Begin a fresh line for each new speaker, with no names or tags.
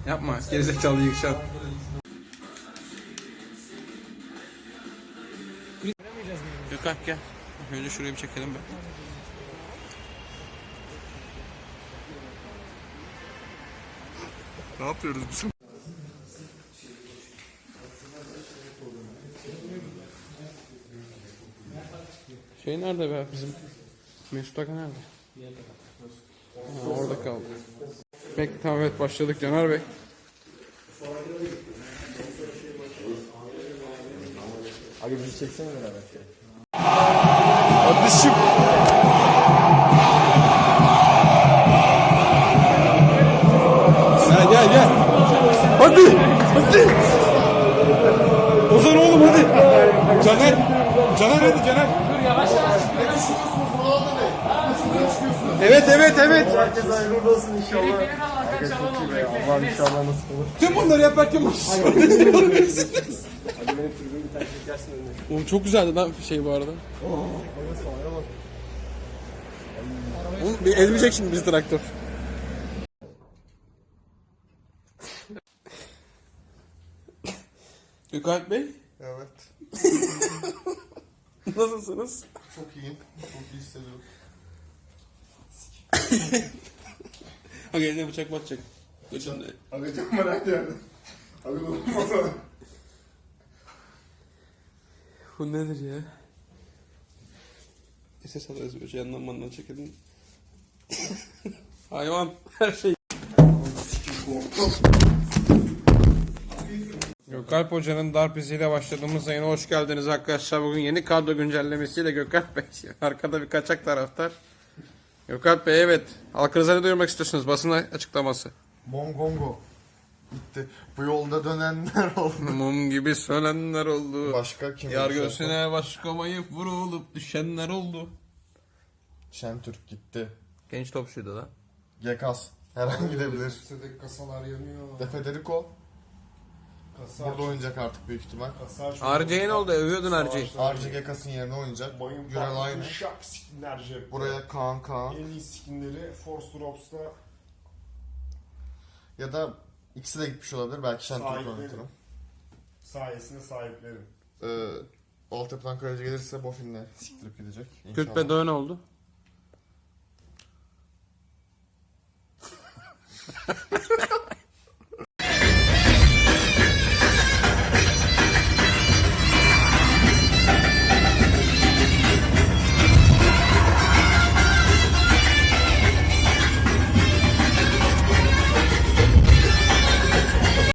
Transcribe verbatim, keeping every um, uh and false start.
Yapma. Gerizekalı yükşen. Gökhan gel. Önce şurayı bir çekelim be. Ne yapıyoruz biz? Şey nerede be bizim? Mesut Aga nerede? Ha, orada kaldı. Peki tamam, evet başladık Caner Bey.
Abi bizi çeksene beraber.
Kardeşim. Sen gel gel. Hadi. Hadi. Ozan oğlum hadi. Caner. Caner hadi Caner.
Dur yavaş yavaş.
Evet evet evet.
Herkes hayırlı olsun inşallah.
Benim Allah'tan çalan oldu.
Allah inşallah nasıl olur.
Tüm bunları yaparken nasıl kardeşler oluyorsunuz?
Hadi benim türbümü bir tane çekersin önüne.
Oğlum çok güzeldi lan şey bu arada. Oğlum bir ezmeyecek şimdi bizi traktör. Gökalp Bey,
Evet.
nasılsınız?
Çok iyiyim. Çok iyi hissediyorum.
Ha eline bıçak batacak. Götünde.
Agacım var her yerde. Aga unutma.
Bu nedir ya? S S alırız böyle yandan mandan çekelim. Hayvan her şey. Gökalp Hoca'nın darp iziyle başladığımız yayına hoş geldiniz arkadaşlar. Bugün yeni kadro güncellemesiyle Gökalp Bey. Arkada bir kaçak taraftar. Gökalp Bey evet. Halkınıza ne duyurmak istiyorsunuz? Basın açıklaması.
Mongongo. Gitti. Bu yolda dönenler oldu.
Mum gibi sönenler oldu.
Başka kim?
Yar göğsüne başkamayıp vurulup düşenler oldu.
Şentürk gitti.
Genç topçuydu da.
Gekas. Her an gidebilir.
Üstedeki kasalar yanıyor.
De Federico.
Kasa
Burada oynayacak artık büyük ihtimal.
Kasa
R C'ye ne oldu? Övüyordun R C'yi.
Arce Gekas'ın yerine oynayacak.
Bayım
Gürel aynı.
Şak skinler cepte.
Buraya Kaan Kaan.
En iyi skinleri Force Drops'ta
Ya da ikisi de gitmiş olabilir. Belki Şentürk
Sahipleri.
oynatırım.
sayesinde sahiplerim.
Ee, altyapıdan kaleci gelirse Bofin'le siktirip gidecek.
Kürt
İnşallah.
Bedoğan oldu.